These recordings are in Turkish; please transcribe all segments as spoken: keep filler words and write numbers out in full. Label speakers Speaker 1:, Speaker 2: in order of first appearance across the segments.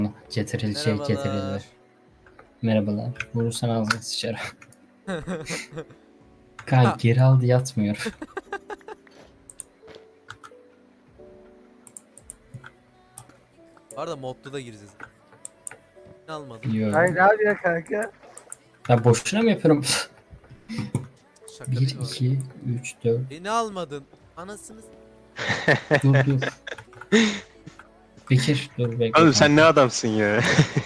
Speaker 1: Cetiril şey getirildi.
Speaker 2: Merhabalar.
Speaker 1: Merhabalar. Vurursan ağzına sıçarım.
Speaker 2: Ha.
Speaker 1: Kanka geri aldı yatmıyor.
Speaker 2: Arada modlu da gireceğiz. Ne almadın?
Speaker 1: Yo.
Speaker 3: Hayır abi ya kanka.
Speaker 1: Ben boşuna mı yapıyorum?
Speaker 2: Şaka
Speaker 1: bir,
Speaker 2: değil mi?
Speaker 1: iki, üç, dört.
Speaker 2: E ne almadın? Anasını s-
Speaker 1: Dur dur. Bekir dur bekle.
Speaker 4: Oğlum sen
Speaker 1: kanka.
Speaker 4: ne adamsın ya?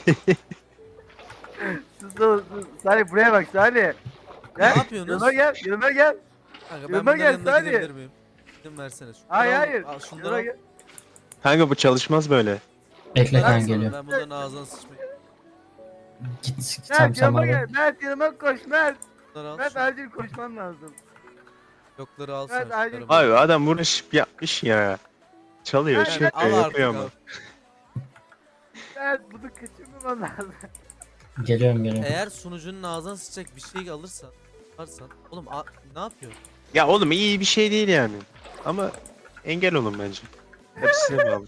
Speaker 3: Sus sus sus. Salih buraya bak Salih.
Speaker 2: Ne
Speaker 3: Gel.
Speaker 2: yapıyorsunuz?
Speaker 3: Yanıma gel. Yanıma gel.
Speaker 2: Kanka ben
Speaker 3: Yanıma
Speaker 2: bunların
Speaker 3: gel,
Speaker 2: yanına
Speaker 3: Salih.
Speaker 2: gidebilir miyim? İzin versene. Şunları
Speaker 3: Hayır
Speaker 2: al,
Speaker 3: hayır.
Speaker 2: Al şunları
Speaker 3: Yanıma
Speaker 2: al.
Speaker 3: gel.
Speaker 4: Kanka bu çalışmaz böyle.
Speaker 1: Bekle
Speaker 2: Bırak
Speaker 1: kan
Speaker 2: sana,
Speaker 1: geliyor.
Speaker 2: Ben bunların ağzına sıçmayayım.
Speaker 1: Git tam
Speaker 3: Mert
Speaker 1: sen
Speaker 3: yanıma
Speaker 1: bana
Speaker 3: gel.
Speaker 1: bak.
Speaker 3: Mert yanıma koş Mert.
Speaker 2: Bunları al.
Speaker 3: Mert
Speaker 2: şu
Speaker 3: acil koşman lazım.
Speaker 2: Blokları al
Speaker 3: Evet,
Speaker 2: sen.
Speaker 3: acil-
Speaker 2: şunları bırak.
Speaker 4: Abi adam uğraşıp yapmış ya. Çalıyor,
Speaker 3: Evet,
Speaker 4: şey
Speaker 2: Kanka,
Speaker 4: yapıyor,
Speaker 2: al artık
Speaker 4: yapıyor
Speaker 2: al.
Speaker 4: ama.
Speaker 3: Mert bunu kaçırmaman lazım.
Speaker 1: Geliyorum geliyorum.
Speaker 2: Eğer sunucunun ağzına sıçacak bir şey alırsan, alırsan, oğlum a- ne yapıyorsun?
Speaker 4: Ya oğlum iyi bir şey değil yani. Ama engel olun bence. Hepsine bağlı.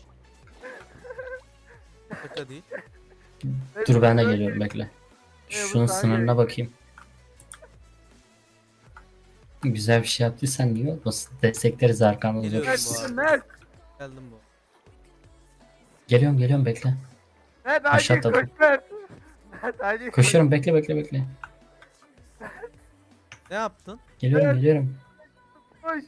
Speaker 2: Şaka değil.
Speaker 1: Dur ben de
Speaker 3: Mert,
Speaker 1: geliyorum bekle.
Speaker 3: Evet, bu
Speaker 1: Şunun
Speaker 3: sana
Speaker 1: sınırına
Speaker 3: geliyor.
Speaker 1: bakayım. Güzel bir şey yaptıysan niye olmasın? Destekleriz arkamda.
Speaker 2: Geliyorum.
Speaker 3: Mert
Speaker 2: bu arada.
Speaker 3: dedim Mert.
Speaker 2: Geldim bu.
Speaker 1: Geliyorum geliyorum bekle.
Speaker 3: Mert
Speaker 1: Aşağı
Speaker 3: acil koş
Speaker 1: atladım.
Speaker 3: Mert. Mert acil koş.
Speaker 1: Koşuyorum bekle bekle bekle.
Speaker 2: Ne yaptın?
Speaker 1: Geliyorum
Speaker 3: Evet.
Speaker 1: geliyorum.
Speaker 3: Koş.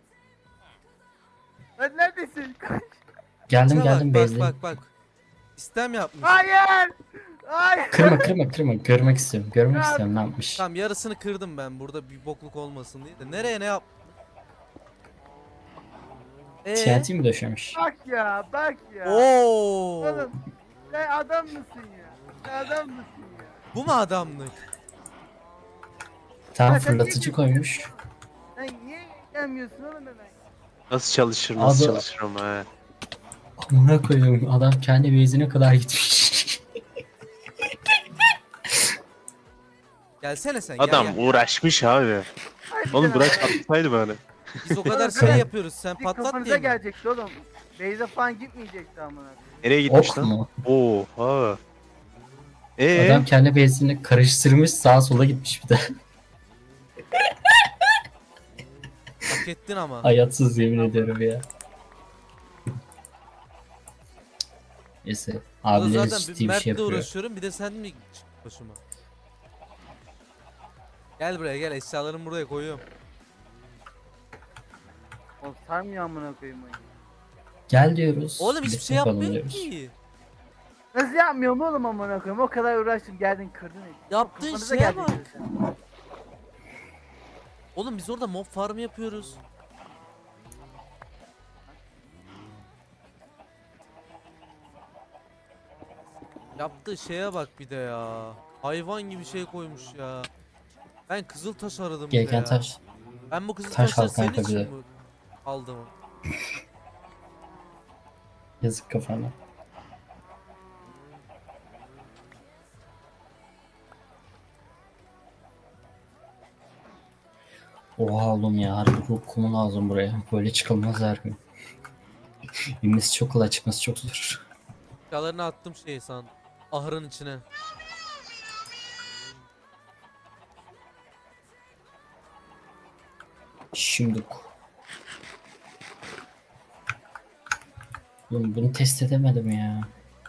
Speaker 3: Mert neredesin? Koş.
Speaker 1: Geldim
Speaker 2: Şuna
Speaker 1: geldim
Speaker 2: bak,
Speaker 1: bezdim.
Speaker 2: bak bak bak. İstem yapmış.
Speaker 3: Hayır. Hayır.
Speaker 1: Kırma kırma kırma. Görmek istiyorum. Görmek
Speaker 3: Ya.
Speaker 1: istiyorum ne yapmış.
Speaker 2: Tamam yarısını kırdım ben burada bir bokluk olmasın diye de. Nereye ne yap? Eee?
Speaker 1: T N T mi döşemiş?
Speaker 3: Bak ya bak ya.
Speaker 2: Oo!
Speaker 3: Oğlum sen adam mısın ya? Sen adam mısın ya?
Speaker 2: Bu mu adamlık?
Speaker 1: Tam
Speaker 3: Ya sen
Speaker 1: fırlatıcı
Speaker 3: niye-
Speaker 1: koymuş.
Speaker 3: Sen niye gelmiyorsun oğlum hemen?
Speaker 4: Nasıl çalışır, nasıl
Speaker 1: Abi-
Speaker 4: çalışır ama ha.
Speaker 1: Amına koyuyorum. Adam kendi base'ine kadar gitmiş.
Speaker 2: Gelsene sen
Speaker 4: Adam
Speaker 2: gel gel.
Speaker 4: uğraşmış abi.
Speaker 3: Harbiden
Speaker 4: Oğlum bırak
Speaker 3: abi.
Speaker 4: atsaydı bana.
Speaker 2: Biz o kadar
Speaker 3: Oğlum,
Speaker 2: şey
Speaker 3: sen-
Speaker 2: yapıyoruz. Sen
Speaker 3: Bir
Speaker 2: patlat
Speaker 3: kafanıza
Speaker 2: diye mi?
Speaker 3: gelecekti oğlum. Beyza falan gitmeyecekti amına.
Speaker 4: Nereye gitmiş
Speaker 1: Ok
Speaker 4: lan?
Speaker 1: mu?
Speaker 4: Oha. Ee?
Speaker 1: Adam kendi base'ini karıştırmış sağa sola gitmiş bir de.
Speaker 2: Hak ettin ama.
Speaker 1: Hayatsız yemin ediyorum ya. Neyse.
Speaker 2: Burada
Speaker 1: Abileri
Speaker 2: zaten bir
Speaker 1: ciddi bir
Speaker 2: Mert'le
Speaker 1: şey yapıyor.
Speaker 2: uğraşıyorum bir de sen mi çıktın başıma? Gel buraya gel eşyalarımı buraya koyuyorum.
Speaker 3: O sarmıyor amına koyayım oyunu.
Speaker 1: Gel diyoruz.
Speaker 2: Oğlum hiçbir
Speaker 1: destek
Speaker 2: şey
Speaker 1: olun
Speaker 2: yapmıyor
Speaker 1: diyoruz.
Speaker 2: ki.
Speaker 3: Nasıl yapmıyorum oğlum amına koyayım? O kadar uğraştım geldin kırdın et.
Speaker 2: Yaptığın
Speaker 3: Kafanıza
Speaker 2: şeye
Speaker 3: gelecekti
Speaker 2: bak.
Speaker 3: zaten.
Speaker 2: Oğlum biz orada mob farmı yapıyoruz. Yaptığı şeye bak bir de ya. Hayvan gibi şey koymuş ya. Ben kızıl taş aradım bir de
Speaker 1: Gereken
Speaker 2: ya.
Speaker 1: taş.
Speaker 2: Ben bu kızıl
Speaker 1: taş
Speaker 2: taşları
Speaker 1: al
Speaker 2: senin
Speaker 1: kanka bir
Speaker 2: için
Speaker 1: de.
Speaker 2: mi aldım?
Speaker 1: Yazık kafana. Oha oğlum ya harbi ruh kumu lazım buraya. Böyle çıkılmaz her gün. İnmesi çok kolay çıkması çok zor.
Speaker 2: Eşyalarını attım şey san. Ahırın içine.
Speaker 1: Şimdi Oğlum bunu test edemedim ya.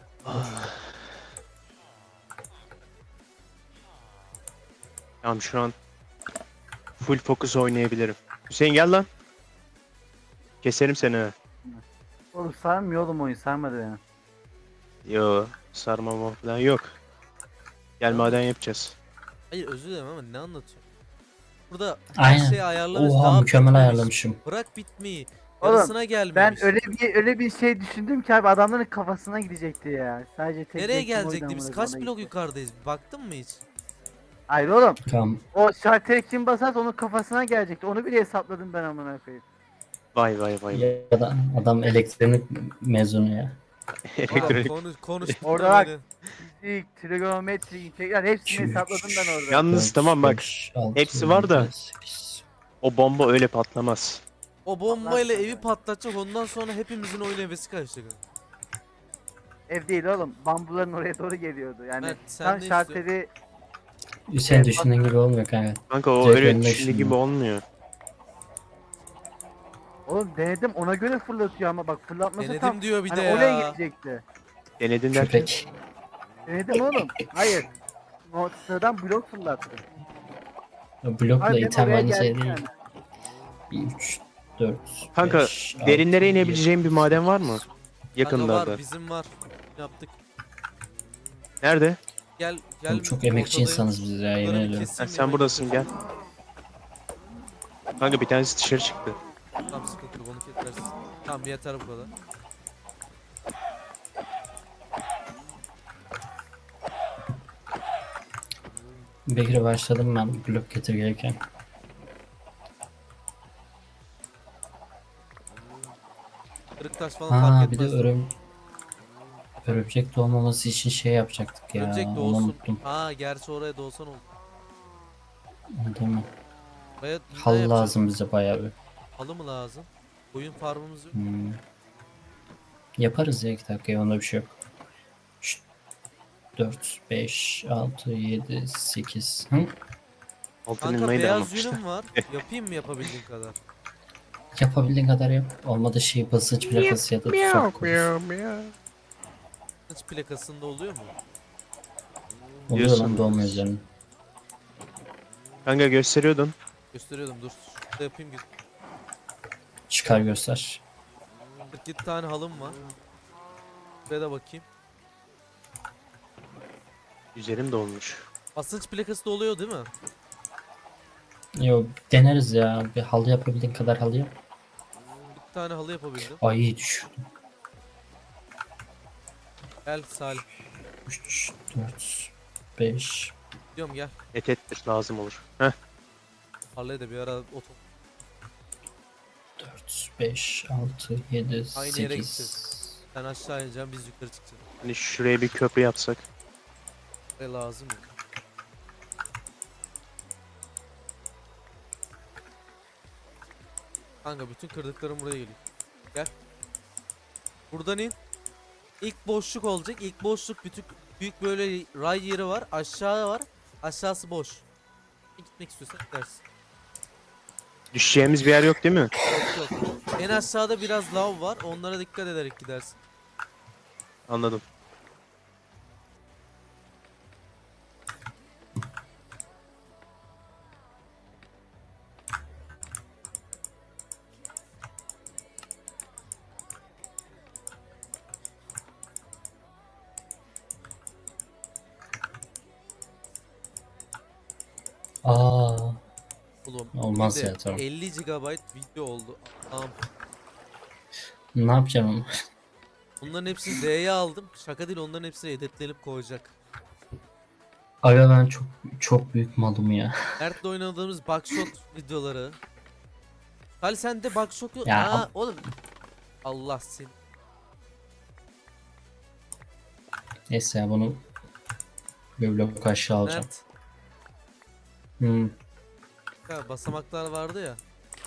Speaker 4: Tamam şu an full focus oynayabilirim. Hüseyin gel lan. Keserim seni ha.
Speaker 3: Oğlum sarmıyor oğlum oyun sarmadı beni.
Speaker 4: Yo sarmama falan yok. Gel maden yapacağız.
Speaker 2: Hayır özür dilerim ama ne anlatıyor? Burada
Speaker 1: Aynen.
Speaker 2: her şeyi ayarlamış.
Speaker 1: Oha
Speaker 2: daha
Speaker 1: mükemmel
Speaker 2: bitmemiş.
Speaker 1: ayarlamışım.
Speaker 2: Bırak bitmeyi.
Speaker 3: Oğlum,
Speaker 2: Yarısına gelmemiş.
Speaker 3: Ben öyle bir öyle bir şey düşündüm ki abi adamların kafasına gidecekti ya. Sadece tek
Speaker 2: Nereye
Speaker 3: zevkim oydu
Speaker 2: gelecekti? Biz
Speaker 3: amına
Speaker 2: kaç
Speaker 3: koyayım,
Speaker 2: blok
Speaker 3: ona gitti.
Speaker 2: yukarıdayız? Baktın mı hiç?
Speaker 3: Hayır oğlum.
Speaker 1: Tamam.
Speaker 3: O şaltere kim basarsa onun kafasına gelecekti. Onu bile hesapladım ben amına koyayım.
Speaker 4: Vay vay vay. vay.
Speaker 1: Ya da adam elektronik mezunu ya.
Speaker 4: Elektronik.
Speaker 2: Konuş, konuş.
Speaker 3: Orada bak. Fizik, trigonometri, integral hepsini hesapladım ben orada.
Speaker 4: Yalnız tamam bak. hepsi var da. O bomba öyle patlamaz.
Speaker 2: O bombayla evi patlatacak ondan sonra hepimizin oyun hevesi kaçacak.
Speaker 3: Ev değil oğlum. Bambuların oraya doğru geliyordu. Yani
Speaker 2: Evet, sen
Speaker 3: tam
Speaker 2: ne istiyorsun?
Speaker 3: şarteli
Speaker 1: Hüseyin
Speaker 3: Evet,
Speaker 1: düşündüğün gibi olmuyor kanka.
Speaker 4: Kanka o
Speaker 1: Direkt
Speaker 4: öyle
Speaker 1: önüne
Speaker 4: düşündüğü gibi
Speaker 1: ışınlanıyor.
Speaker 4: olmuyor.
Speaker 3: oğlum denedim ona göre fırlatıyor ama bak fırlatması
Speaker 2: Denedim
Speaker 3: tam
Speaker 2: diyor bir
Speaker 3: hani
Speaker 2: de
Speaker 3: oraya
Speaker 2: ya.
Speaker 3: gelecekti.
Speaker 4: Denedin derken.
Speaker 1: Köpek.
Speaker 3: Denedim oğlum. Hayır. O sıradan blok fırlattı.
Speaker 1: Blokla
Speaker 3: Harbiden
Speaker 1: item
Speaker 3: oraya
Speaker 1: aynı şey
Speaker 3: geldi
Speaker 1: değil.
Speaker 3: yani.
Speaker 1: Bir, üç, dört,
Speaker 4: Kanka
Speaker 1: beş, altı,
Speaker 4: derinlere
Speaker 1: yedi.
Speaker 4: inebileceğim bir maden var mı?
Speaker 2: Kanka
Speaker 4: Yakınlarda.
Speaker 2: var, bizim var. Yaptık.
Speaker 4: Nerede?
Speaker 2: Gel gel.
Speaker 1: Oğlum çok emekçi
Speaker 2: ortadayım.
Speaker 1: insanız biz ya, yemin
Speaker 2: Bunları bir
Speaker 1: ediyorum.
Speaker 2: keseyim
Speaker 4: Ha,
Speaker 2: mi?
Speaker 4: sen
Speaker 2: Hemen
Speaker 4: buradasın gel.
Speaker 2: getireceğim.
Speaker 4: Kanka bir tanesi dışarı çıktı.
Speaker 2: Tamam, sıkıntı yok, onu kesersin. Tamam, yeter bu kadar.
Speaker 1: Bekir'e başladım ben blok getir gelirken.
Speaker 2: Kırık taş falan fark
Speaker 1: Ha bir de
Speaker 2: etmez.
Speaker 1: örüm örümcek doğmaması için şey yapacaktık ya.
Speaker 2: Örümcek
Speaker 1: Onu
Speaker 2: doğsun.
Speaker 1: unuttum.
Speaker 2: Ha, gerçi oraya doğsan olur.
Speaker 1: Değil mi?
Speaker 2: Oraya ne
Speaker 1: Halı
Speaker 2: yapacağız?
Speaker 1: lazım bize bayağı bir.
Speaker 2: Halı mı lazım? Koyun farmımız yok.
Speaker 1: Hmm. Yaparız ya iki dakikaya, onda bir şey yok. dört, beş, altı, yedi, sekiz. Hı?
Speaker 4: Altın
Speaker 2: Kanka
Speaker 4: elmayı da
Speaker 2: beyaz
Speaker 4: almamışlar.
Speaker 2: yünüm var. Yapayım mı yapabildiğin kadar?
Speaker 1: Yapabildiğin kadar yap. Olmadı şey basınç plakası ya da tuzak koyarız.
Speaker 2: Kaç plakasında oluyor mu?
Speaker 1: Oluyor
Speaker 4: Diyorsun.
Speaker 1: lan, doğmuyor üzerine.
Speaker 4: Kanka gösteriyordun.
Speaker 2: Gösteriyordum, dur. Şurada yapayım ki.
Speaker 1: Çıkar göster.
Speaker 2: kırk yedi tane halım var. Buraya da bakayım.
Speaker 4: Üzerim dolmuş.
Speaker 2: Basınç plakası da oluyor değil mi?
Speaker 1: Yo, deneriz ya. Bir halı yapabildiğin kadar halı yap.
Speaker 2: Bir tane halı yapabildim.
Speaker 1: Ay iyi düşürdüm.
Speaker 2: Gel Salih.
Speaker 1: üç, dört, beş.
Speaker 2: Diyorum gel.
Speaker 4: Et ettir lazım olur. Heh.
Speaker 2: Harley'e de bir ara oto.
Speaker 1: dört, beş, altı, yedi,
Speaker 2: Aynı yere
Speaker 1: sekiz.
Speaker 2: Sen aşağı ineceksin, biz yukarı çıkacağız.
Speaker 4: Hani şuraya bir köprü yapsak.
Speaker 2: Ne lazım ya? Kanka bütün kırdıklarım buraya geliyor. Gel. Buradan in. İlk boşluk olacak. İlk boşluk bütün büyük böyle ray yeri var. Aşağı var. Aşağısı boş. Gitmek istiyorsan gidersin.
Speaker 4: Düşeceğimiz bir yer yok değil mi?
Speaker 2: Yok yok. En aşağıda biraz lav var. Onlara dikkat ederek gidersin.
Speaker 4: Anladım.
Speaker 1: Aa,
Speaker 2: Oğlum
Speaker 1: olmaz
Speaker 2: bir de
Speaker 1: ya, tamam.
Speaker 2: elli gigabayt video oldu. Tamam.
Speaker 1: Ne yapacağım ama?
Speaker 2: Bunların hepsini D'ye aldım. Şaka değil, onların hepsini editlenip koyacak.
Speaker 1: Aga ben çok çok büyük malım ya.
Speaker 2: Mert'le oynadığımız Buckshot videoları. Hal sen de Buckshot yok.
Speaker 1: Ya,
Speaker 2: Aa oğlum. Allah seni.
Speaker 1: Neyse ya, bunu bir blok aşağı alacağım.
Speaker 2: Mert.
Speaker 1: Hmm,
Speaker 2: Ya, basamaklar vardı ya.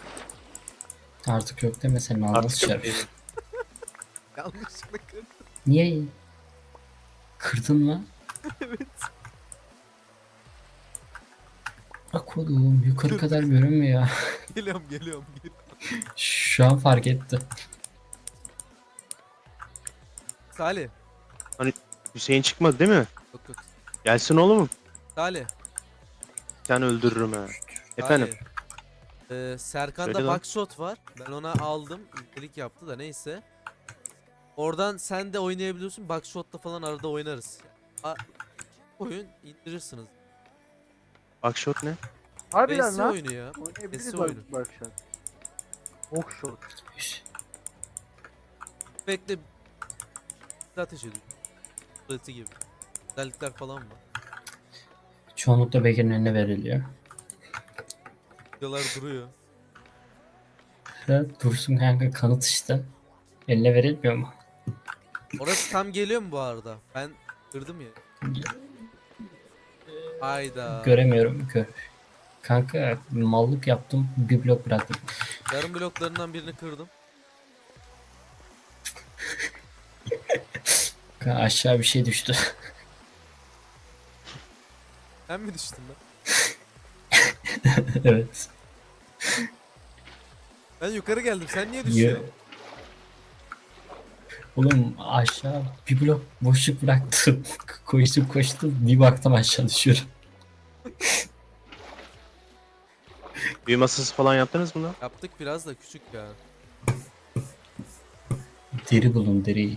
Speaker 1: artık yok deme, senin ağzına
Speaker 4: Artık yok
Speaker 1: sıçarım.
Speaker 4: değil.
Speaker 2: Yanlışlıkla kırdım.
Speaker 1: Niye? Kırdın mı?
Speaker 2: Evet.
Speaker 1: Bak oğlum, yukarı kadar görünmüyor.
Speaker 2: Geliyorum geliyorum. geliyorum.
Speaker 1: Şu an fark etti.
Speaker 2: Salih.
Speaker 4: Hüseyin çıkmadı değil mi?
Speaker 2: Yok yok.
Speaker 4: Gelsin oğlum.
Speaker 2: Salih.
Speaker 4: Sen öldürürüm ha. Efendim.
Speaker 2: Salih. Ee, Serkan'da
Speaker 4: Söyle lan.
Speaker 2: Buckshot var. Ben ona aldım. İlk yaptı da neyse. Oradan sen de oynayabiliyorsun. Buckshot'la falan arada oynarız. A oyun indirirsiniz.
Speaker 4: Buckshot ne?
Speaker 3: Harbiden
Speaker 2: Messi
Speaker 3: lan.
Speaker 2: oyunu ya.
Speaker 3: Oynayabiliriz
Speaker 2: Messi
Speaker 3: bak,
Speaker 2: oyunu.
Speaker 3: bak şu an. Okşot.
Speaker 2: Bekle. Ateş ediyor. Prati gibi. Özellikler falan var.
Speaker 1: Çoğunlukla Bekir'in eline veriliyor.
Speaker 2: Videolar duruyor.
Speaker 1: Ha, dursun kanka, kanıt işte. Eline verilmiyor mu?
Speaker 2: Orası tam geliyor mu bu arada? Ben kırdım ya. Hayda.
Speaker 1: Göremiyorum. Gör. Kanka mallık yaptım, bir blok bıraktım.
Speaker 2: Yarım bloklarından birini kırdım.
Speaker 1: Kanka aşağı bir şey düştü.
Speaker 2: Sen mi düştün lan?
Speaker 1: Evet.
Speaker 2: Ben yukarı geldim. Sen niye
Speaker 1: Ye-
Speaker 2: düşüyorsun?
Speaker 1: Oğlum aşağı bir blok boşluk bıraktım. Koştum koştum bir baktım aşağı düşüyorum.
Speaker 4: Büyü masası falan yaptınız mı lan?
Speaker 2: Yaptık biraz da küçük ya.
Speaker 1: Deri bulun deri.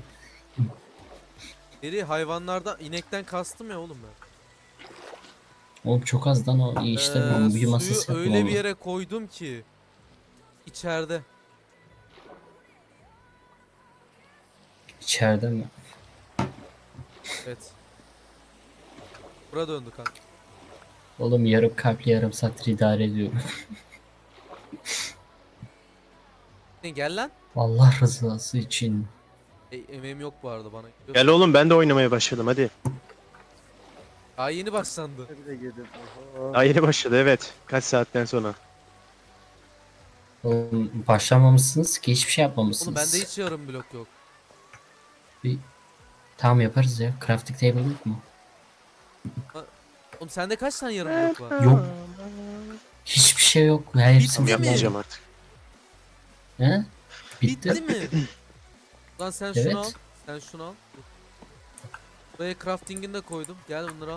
Speaker 2: Deri hayvanlardan inekten kastım ya oğlum ben.
Speaker 1: Oğlum çok azdan o iyi işte
Speaker 2: Ee,
Speaker 1: ben bir
Speaker 2: suyu
Speaker 1: masası yaptım
Speaker 2: öyle
Speaker 1: oğlum.
Speaker 2: bir yere koydum ki içeride.
Speaker 1: İçeride mi?
Speaker 2: Evet. Bura döndü kanka.
Speaker 1: Oğlum yarım kalpli yarım saattir idare ediyorum.
Speaker 2: Sen gel lan.
Speaker 1: Allah rızası için.
Speaker 2: E, emeğim yok bu arada bana.
Speaker 4: Gel oğlum ben de oynamaya başladım hadi.
Speaker 2: Daha yeni başlandı.
Speaker 3: Bir de girdim. Oho.
Speaker 4: Daha yeni başladı evet. Kaç saatten sonra.
Speaker 1: Oğlum başlamamışsınız ki hiçbir şey yapmamışsınız.
Speaker 2: Oğlum bende hiç yarım blok yok.
Speaker 1: Bir... Tamam yaparız ya. Crafting table yok mu?
Speaker 2: Oğlum sende kaç tane yarım blok var?
Speaker 1: Yok. Hiçbir şey yok. Ya hepsi
Speaker 4: Tamam
Speaker 2: Bitti mi?
Speaker 4: yapmayacağım artık.
Speaker 1: He? Bitti.
Speaker 2: Bitti mi? Lan sen şunu
Speaker 1: Evet.
Speaker 2: al. Sen şunu al. Buraya crafting'ini de koydum. Gel bunları al.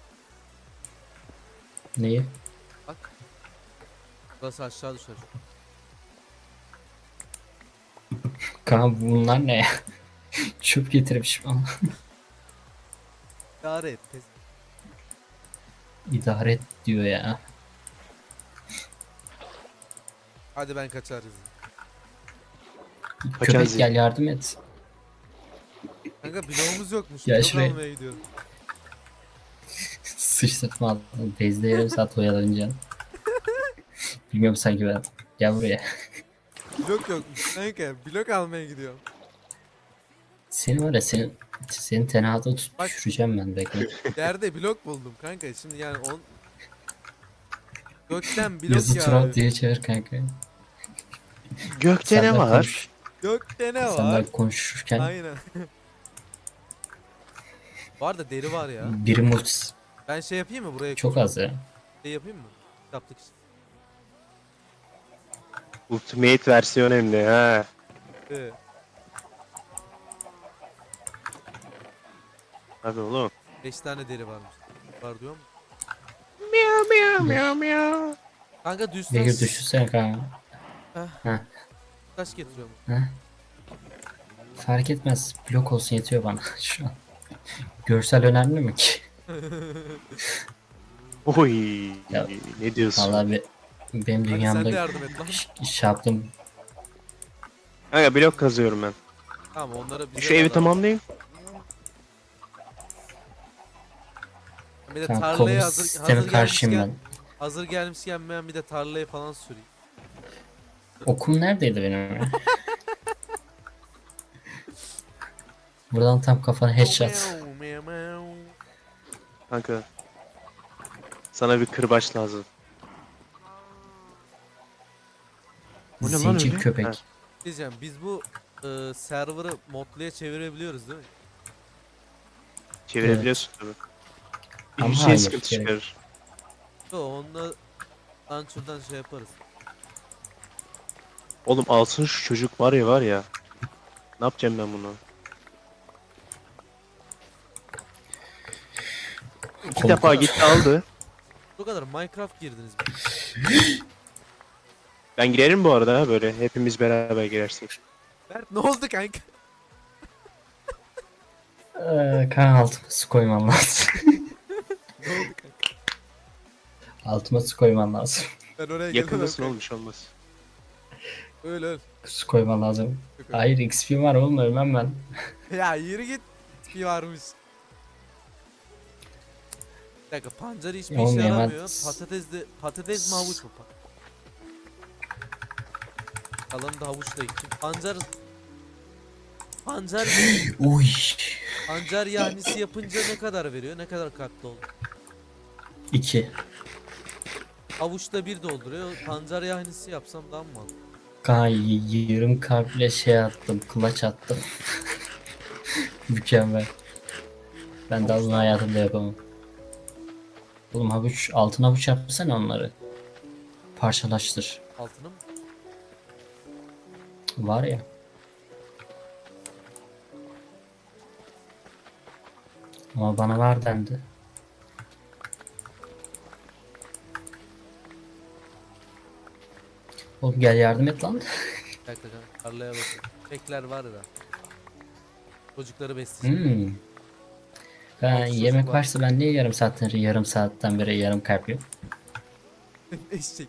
Speaker 1: Neyi?
Speaker 2: Bak. Burası aşağı düşer.
Speaker 1: Kaan bunlar ne ya? Çöp getirmişim ama.
Speaker 2: İdare et. Tez.
Speaker 1: İdare et diyor ya.
Speaker 2: Hadi ben kaçarız.
Speaker 1: Köpek
Speaker 4: Kaçarız
Speaker 1: gel yardım et.
Speaker 2: Kanka bloğumuz yokmuş.
Speaker 1: Gel
Speaker 2: Blok
Speaker 1: şuraya.
Speaker 2: almaya gidiyorum.
Speaker 1: Sıçratma aldım. Bezde yarım saat oyalanacaksın. Bilmiyorum sanki ben. Gel buraya.
Speaker 2: Blok yokmuş kanka. Blok almaya gidiyorum.
Speaker 1: Seni var ya senin, senin tenhada tutup
Speaker 2: Bak.
Speaker 1: düşüreceğim ben bekle.
Speaker 2: Yerde blok buldum kanka. Şimdi yani on... Gökten blok
Speaker 1: Yazı tura
Speaker 2: ya.
Speaker 1: diye çevir kanka.
Speaker 4: Gökte ne
Speaker 1: Senden
Speaker 4: var?
Speaker 1: konuş-
Speaker 2: Gökte ne var?
Speaker 1: Senden konuşurken
Speaker 2: Aynen. Var da deri var ya.
Speaker 1: biri muts.
Speaker 2: Ben şey yapayım mı buraya?
Speaker 1: Çok az ya.
Speaker 2: Şey yapayım mı? Yaptık işte.
Speaker 4: Ultimate versiyon hem de ha.
Speaker 2: Evet.
Speaker 4: Hadi oğlum.
Speaker 2: beş tane deri varmış. Var diyor mu?
Speaker 4: Miau miau miau miau.
Speaker 2: Kanka düz
Speaker 1: Bekir
Speaker 2: taş,
Speaker 1: düşünsene kanka.
Speaker 2: taş getiriyorum.
Speaker 1: Fark etmez. Blok olsun yetiyor bana şu an. Görsel önemli mi ki?
Speaker 4: Oy.
Speaker 1: Ya,
Speaker 4: Ne diyorsun?
Speaker 1: Vallahi be, benim
Speaker 2: Hadi sen de
Speaker 1: dünyamda
Speaker 2: yardım et lan.
Speaker 1: iş, iş yaptım.
Speaker 4: Kanka blok kazıyorum ben.
Speaker 2: Tamam onlara bize
Speaker 4: Şu evi
Speaker 2: ver abi.
Speaker 4: tamamlayayım.
Speaker 2: Bir de
Speaker 1: Kanka
Speaker 2: tarlaya
Speaker 1: komünist
Speaker 2: hazır,
Speaker 1: sisteme
Speaker 2: hazır
Speaker 1: karşıyım
Speaker 2: gelmişken,
Speaker 1: ben.
Speaker 2: hazır gelmişken ben bir de tarlaya falan süreyim.
Speaker 1: Okum neredeydi benim ya? Buradan tam kafana headshot.
Speaker 2: Meow, meow, meow.
Speaker 4: Kanka. Sana bir kırbaç lazım. Bu ne lan
Speaker 1: Zincir
Speaker 4: öyle?
Speaker 1: köpek.
Speaker 4: Ha.
Speaker 2: Diyeceğim biz bu e, server'ı modluya çevirebiliyoruz değil mi?
Speaker 4: Çevirebiliyorsun tabii. Bir
Speaker 1: Ama
Speaker 4: şey
Speaker 1: hayır,
Speaker 4: sıkıntı
Speaker 1: gerek-
Speaker 4: çıkarır.
Speaker 2: Yo onunla lan şuradan şey yaparız.
Speaker 4: Oğlum alsın şu çocuk var ya var ya. Ne yapacağım ben bunu? İki
Speaker 1: Kol-
Speaker 4: defa gitti aldı.
Speaker 2: Bu kadar Minecraft girdiniz mi?
Speaker 4: Ben girerim bu arada ha böyle hepimiz beraber girersek.
Speaker 2: Berk ne oldu kanka?
Speaker 1: Ee, kan altıma su koyman lazım.
Speaker 2: Ne oldu kanka?
Speaker 1: Altıma su koyman lazım.
Speaker 2: Ben oraya gelemem
Speaker 4: Yakındasın
Speaker 2: kanka.
Speaker 4: olmuş olmaz.
Speaker 2: Öl öl.
Speaker 1: Su koyman lazım.
Speaker 2: Yok, öl.
Speaker 1: Hayır X P var oğlum ölmem ben.
Speaker 2: Ya yürü git. Bir varmış. Bir dakika pancar hiçbir
Speaker 1: Oğlum
Speaker 2: işe
Speaker 1: yemez.
Speaker 2: yaramıyor. Patates de patates mi havuç mu? Pa- Kalanı da havuçla ekeyim. Pancar Pancar
Speaker 1: Uy.
Speaker 2: pancar yahnisi yapınca ne kadar veriyor? Ne kadar katlı oldu?
Speaker 1: İki.
Speaker 2: Havuçta bir dolduruyor. Pancar yahnisi yapsam daha mı mantıklı?
Speaker 1: Kan y- yarım kalple şey attım. Kulaç attım. Mükemmel. Ben daha bunu hayatımda yapamam. Oğlum havuç, altın havuç yapsana onları. Parçalaştır.
Speaker 2: Altını mı?
Speaker 1: Var ya. Ama bana var dendi. Oğlum gel yardım et lan.
Speaker 2: Bir dakika canım. Tarlaya bakın. Köpekler var da. Çocukları besleyeceğim.
Speaker 1: Hmm. Ben
Speaker 2: Altı çocuk
Speaker 1: yemek
Speaker 2: var.
Speaker 1: varsa ben niye yarım saatten yarım saatten beri yarım kalp yiyorum?
Speaker 2: Eşek.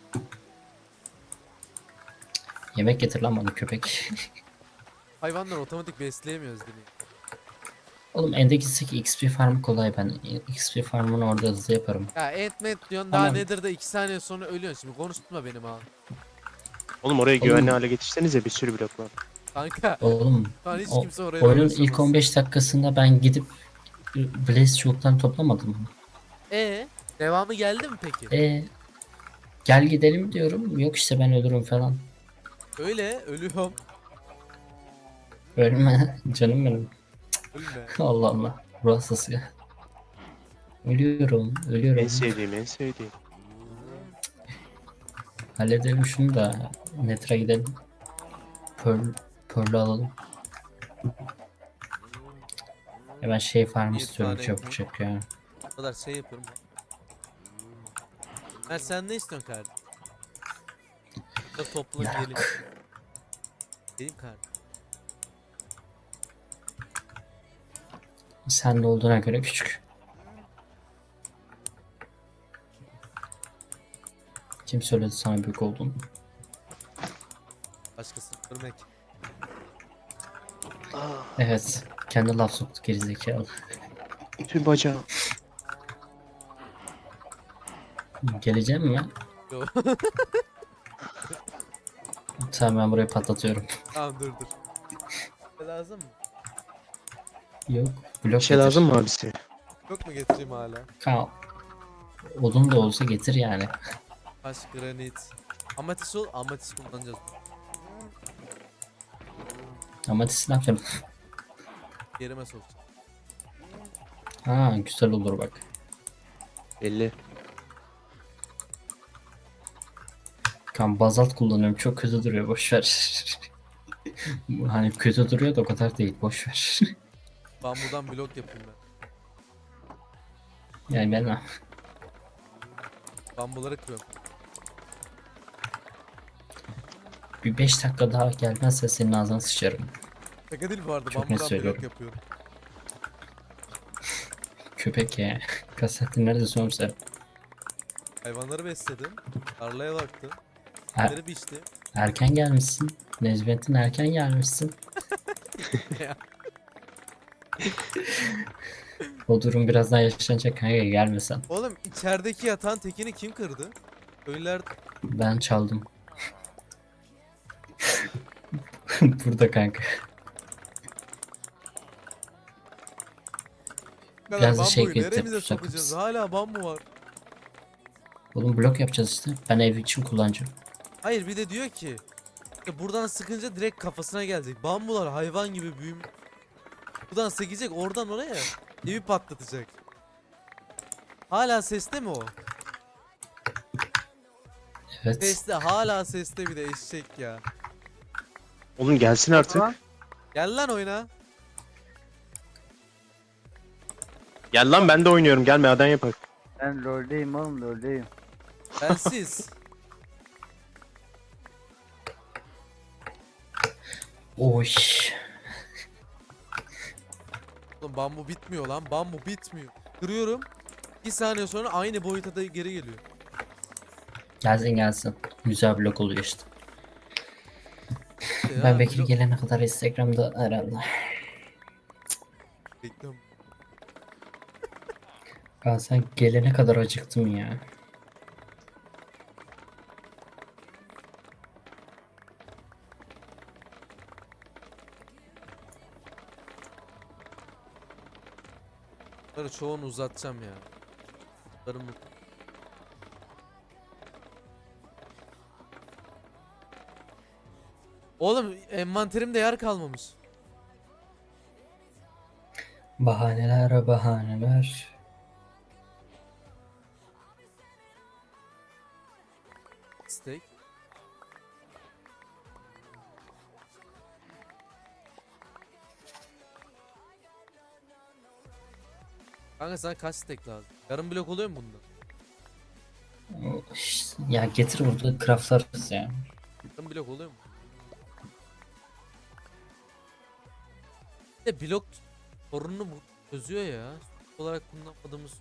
Speaker 1: Yemek getir lan bana köpek.
Speaker 2: Hayvanları otomatik besleyemiyoruz değil mi?
Speaker 1: Oğlum Endex'teki X P farmı kolay, ben X P farmını orada hızlı yaparım.
Speaker 2: Ya et met diyorsun daha
Speaker 1: Tamam.
Speaker 2: nedir de iki saniye sonra ölüyorsun. Şimdi konuşturma benim ha.
Speaker 4: Oğlum oraya güvenli
Speaker 1: Oğlum.
Speaker 4: hale getirsenize, bir sürü blok var.
Speaker 2: Kanka.
Speaker 1: Oğlum
Speaker 2: Şu an hiç
Speaker 1: o,
Speaker 2: kimse oraya
Speaker 1: oyunun
Speaker 2: uğraşamaz.
Speaker 1: ilk on beş dakikasında ben gidip Blaze çubuklarını toplamadım mı?
Speaker 2: Ee, devamı geldi mi peki?
Speaker 1: E gel gidelim diyorum. Yok işte ben ölürüm falan.
Speaker 2: Öyle ölüyorum.
Speaker 1: Ölme canım benim.
Speaker 2: Ölme.
Speaker 1: Allah Allah. Burası ya. Ölüyorum, ölüyorum.
Speaker 4: En sevdiğim, en sevdiğim.
Speaker 1: Halledelim şunu da Netra gidelim. Pearl, Pearl'ü alalım. Ya ben şey farm
Speaker 2: Bir
Speaker 1: istiyorum
Speaker 2: tane
Speaker 1: çabuk çabuk ya.
Speaker 2: O kadar şey yapıyorum. Mert sen ne istiyorsun kardeşim? Ya topla
Speaker 1: Ya.
Speaker 2: gelin. Gelin kardeşim.
Speaker 1: Sen de olduğuna göre küçük. Kim söyledi sana büyük olduğunu?
Speaker 2: Başkası örnek.
Speaker 1: Evet. Kendi laf soktu gerizekalı.
Speaker 4: Tüm bacağım.
Speaker 1: Geleceğim mi?
Speaker 2: Yo.
Speaker 1: Tamam ben burayı patlatıyorum.
Speaker 2: Tamam dur dur. Ne lazım mı?
Speaker 1: Yok. Blok
Speaker 4: Bir şey
Speaker 1: getir.
Speaker 4: lazım mı abisi?
Speaker 2: Yok mu getireyim hala?
Speaker 1: Kal. Odun da olsa getir yani.
Speaker 2: Taş, granit. Amatist ol, amatist kullanacağız.
Speaker 1: Amatist ne yapacağım?
Speaker 2: Yerime sokacağım.
Speaker 1: Ha güzel olur bak.
Speaker 4: Belli.
Speaker 1: Kan bazalt kullanıyorum. Çok kötü duruyor. Boş ver. Hani kötü duruyor da o kadar değil. Boş ver.
Speaker 2: Bambudan blok yapayım ben.
Speaker 1: Yani ben
Speaker 2: Bambuları kırıyorum.
Speaker 1: bir beş dakika daha gelmezse senin ağzına sıçarım.
Speaker 2: Şaka değil bu arada.
Speaker 1: Çok net
Speaker 2: Bambudan blok
Speaker 1: söylüyorum.
Speaker 2: yapıyorum.
Speaker 1: Köpek ya. Kasettin neredesin oğlum sen?
Speaker 2: Hayvanları besledim. Tarlaya baktım.
Speaker 1: Er-
Speaker 2: Onları biçti.
Speaker 1: erken gelmişsin. Necmettin erken gelmişsin. O durum birazdan yaşanacak kanka, gelmesen.
Speaker 2: Oğlum içerideki yatağın tekini kim kırdı? Köylüler
Speaker 1: Ben çaldım. Burada kanka.
Speaker 2: bu kadar
Speaker 1: Biraz da şey
Speaker 2: bambuyu
Speaker 1: getir,
Speaker 2: neremize
Speaker 1: tuzak
Speaker 2: sokacağız?
Speaker 1: kız.
Speaker 2: Hala bambu var.
Speaker 1: Oğlum blok yapacağız işte. Ben ev için kullanacağım.
Speaker 2: Hayır bir de diyor ki işte buradan sıkınca direkt kafasına gelecek. Bambular hayvan gibi büyüm. Buradan sekecek oradan oraya evi patlatacak. Hala seste mi o?
Speaker 1: Evet.
Speaker 2: Seste hala seste bir de eşek ya.
Speaker 4: Oğlum gelsin artık.
Speaker 3: Lan,
Speaker 2: Gel lan oyna.
Speaker 4: Gel lan, ben de oynuyorum. Gel maden yapak.
Speaker 3: ben LoL'deyim oğlum LoL'deyim.
Speaker 2: Bensiz.
Speaker 1: Oy.
Speaker 2: Oğlum bambu bitmiyor lan. Bambu bitmiyor. Kırıyorum. Bir saniye sonra aynı boyuta da geri geliyor.
Speaker 1: Gelsin gelsin. Güzel blok oluyor işte.
Speaker 2: Ya,
Speaker 1: Ben Bekir
Speaker 2: blok-
Speaker 1: gelene kadar Instagram'da herhalde.
Speaker 2: Bekliyorum.
Speaker 1: Ben sen gelene kadar acıktım ya.
Speaker 2: Bunları çoğunu uzatacağım ya. Bunların bu- Oğlum envanterimde yer kalmamış.
Speaker 1: Bahaneler bahaneler.
Speaker 2: Steak. Kanka sana kaç steak lazım? Yarım blok oluyor mu bunda?
Speaker 1: O- Ya getir burada craftlarız ya.
Speaker 2: Yarım blok oluyor mu? Bir de blok sorununu bu çözüyor ya. Olarak kullanmadığımız.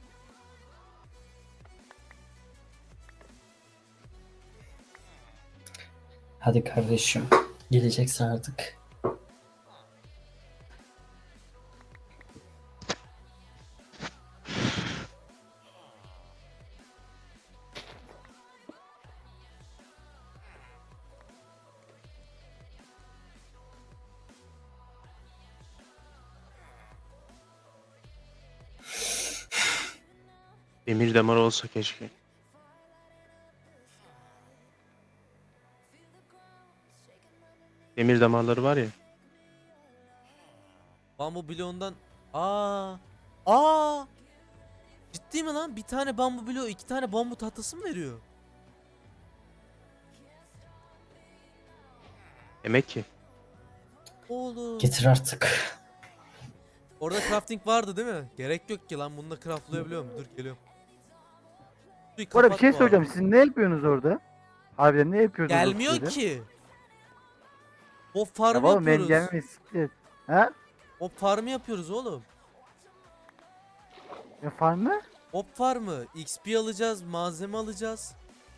Speaker 1: Hadi kardeşim. Geleceksin artık.
Speaker 4: Demir damar olsa keşke. Demir damarları var ya.
Speaker 2: Bambu bloğundan. Aa. Aa. Ciddi mi lan? Bir tane bambu bloğu iki tane bambu tahtası mı veriyor?
Speaker 4: Demek ki.
Speaker 2: Oğlum.
Speaker 1: Getir artık.
Speaker 2: Orada crafting vardı değil mi? Gerek yok ki lan, bununla craftlayabiliyorum. Dur geliyorum. Suyu
Speaker 3: Bu arada bir
Speaker 2: kapat
Speaker 3: şey
Speaker 2: bu
Speaker 3: söyleyeceğim.
Speaker 2: arada.
Speaker 3: Siz ne yapıyorsunuz orada? Harbiden ne yapıyordunuz?
Speaker 2: Gelmiyor
Speaker 3: orada?
Speaker 2: ki. O
Speaker 3: Ya
Speaker 2: farmı
Speaker 3: oğlum benim
Speaker 2: yapıyoruz.
Speaker 3: gelmemi siktir. Ha?
Speaker 2: O farmı yapıyoruz oğlum.
Speaker 3: Ya farmı?
Speaker 2: Hop farmı. X P alacağız, malzeme alacağız.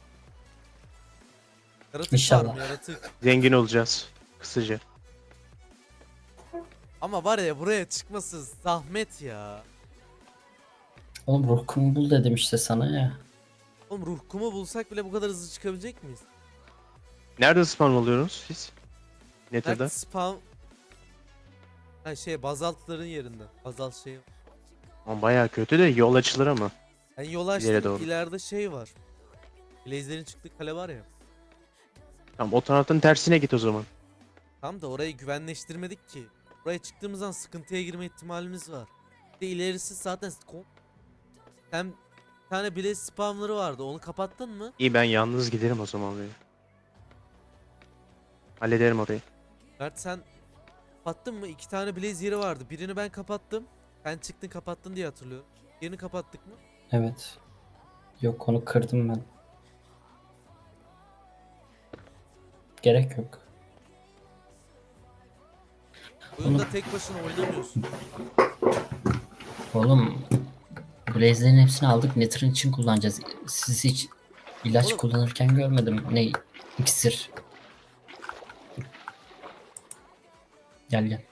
Speaker 2: Yaratık
Speaker 1: İnşallah.
Speaker 2: farmı, yaratık.
Speaker 4: Zengin olacağız. Kısaca.
Speaker 2: Ama var ya, buraya çıkması zahmet ya.
Speaker 1: Oğlum ruh kumu bul dedim işte sana ya.
Speaker 2: Oğlum ruh kumu bulsak bile bu kadar hızlı çıkabilecek miyiz?
Speaker 4: Nerede spawn oluyorsunuz siz? Nether'da.
Speaker 2: Nerede spam? Ha şey, bazaltların yerinde. Bazalt şey.
Speaker 4: Ama bayağı kötü de yol açılır ama.
Speaker 2: Ben yol
Speaker 4: İleri
Speaker 2: açtım,
Speaker 4: doğru.
Speaker 2: ileride şey var. Blaze'lerin çıktığı kale var ya.
Speaker 4: Tamam, o taraftan tersine git o zaman.
Speaker 2: Tam da orayı güvenleştirmedik ki. Buraya çıktığımız an sıkıntıya girme ihtimalimiz var. Bir de ilerisi zaten kom- Sen bir tane Blaze spamları vardı, onu kapattın mı?
Speaker 4: İyi, ben yalnız giderim o zaman oraya. Hallederim orayı.
Speaker 2: Mert sen kapattın mı? İki tane Blaze yeri vardı. Birini ben kapattım. Sen çıktın kapattın diye hatırlıyorum. Yerini kapattık mı?
Speaker 1: Evet. Yok onu kırdım ben. Gerek yok.
Speaker 2: Oyunda tek başına oynamıyorsun.
Speaker 1: Oğlum Blaze'lerin hepsini aldık. Nether'ın için kullanacağız. Siz hiç ilaç
Speaker 2: Oğlum.
Speaker 1: kullanırken görmedim. Ne? İksir. Gel gel.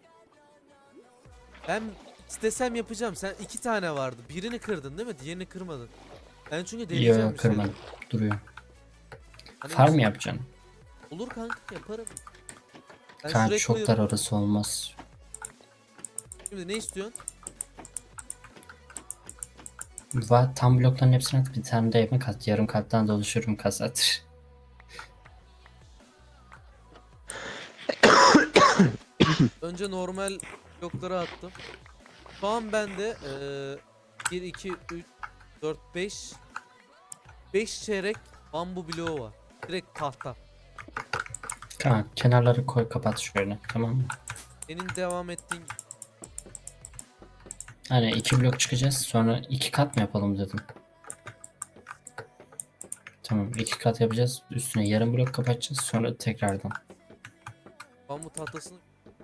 Speaker 2: Ben istesem yapacağım. Sen iki tane vardı. Birini kırdın değil mi? Diğerini kırmadın. Ben çünkü
Speaker 1: Yok
Speaker 2: deneyeceğim
Speaker 1: yok
Speaker 2: bir şey.
Speaker 1: kırmadım. Duruyor.
Speaker 2: Hani
Speaker 1: Farm yapacaksın.
Speaker 2: olur kanka, yaparım. Ben
Speaker 1: Kanka
Speaker 2: sürekli
Speaker 1: çok dar
Speaker 2: uyurum.
Speaker 1: orası olmaz.
Speaker 2: Şimdi ne istiyorsun?
Speaker 1: Va tam blokların hepsini at, bir tane de yemek at. Yarım kattan doluşurum kasatır.
Speaker 2: Önce normal blokları attım. Şu an bende bir, iki, üç, dört, beş beş çeyrek bambu bloğu var. Direkt tahta.
Speaker 1: Kanka kenarları koy, kapat şöyle, tamam mı?
Speaker 2: Senin devam ettiğin gibi.
Speaker 1: Hani iki blok çıkacağız, sonra iki kat mı yapalım dedim. Tamam, iki kat yapacağız, üstüne yarım blok kapatacağız, sonra tekrardan.
Speaker 2: Bambu tahtasını.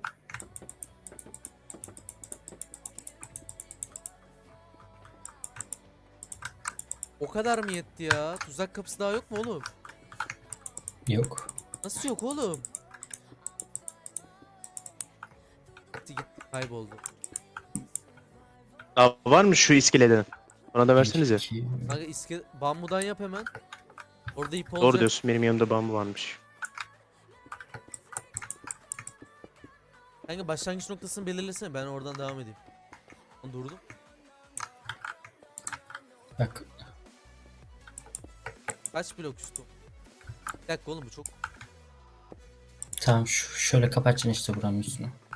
Speaker 2: O kadar mı yetti ya? Tuzak kapısı daha yok mu oğlum?
Speaker 1: Yok.
Speaker 2: Nasıl yok oğlum? Gitti gitti, kayboldu.
Speaker 4: Daha var mı şu iskeleden? Bana da versenize.
Speaker 1: İki-
Speaker 2: Kanka iske bambudan yap hemen. Orada ip
Speaker 4: Doğru
Speaker 2: olacak.
Speaker 4: diyorsun, benim yanımda bambu varmış.
Speaker 2: Kanka başlangıç noktasını belirlesene, ben oradan devam edeyim. Lan durdum.
Speaker 1: Bak
Speaker 2: Kaç blok üstü? Bir dakika oğlum, bu çok.
Speaker 1: tamam, şu şöyle kapatacaksın işte buranın üstüne.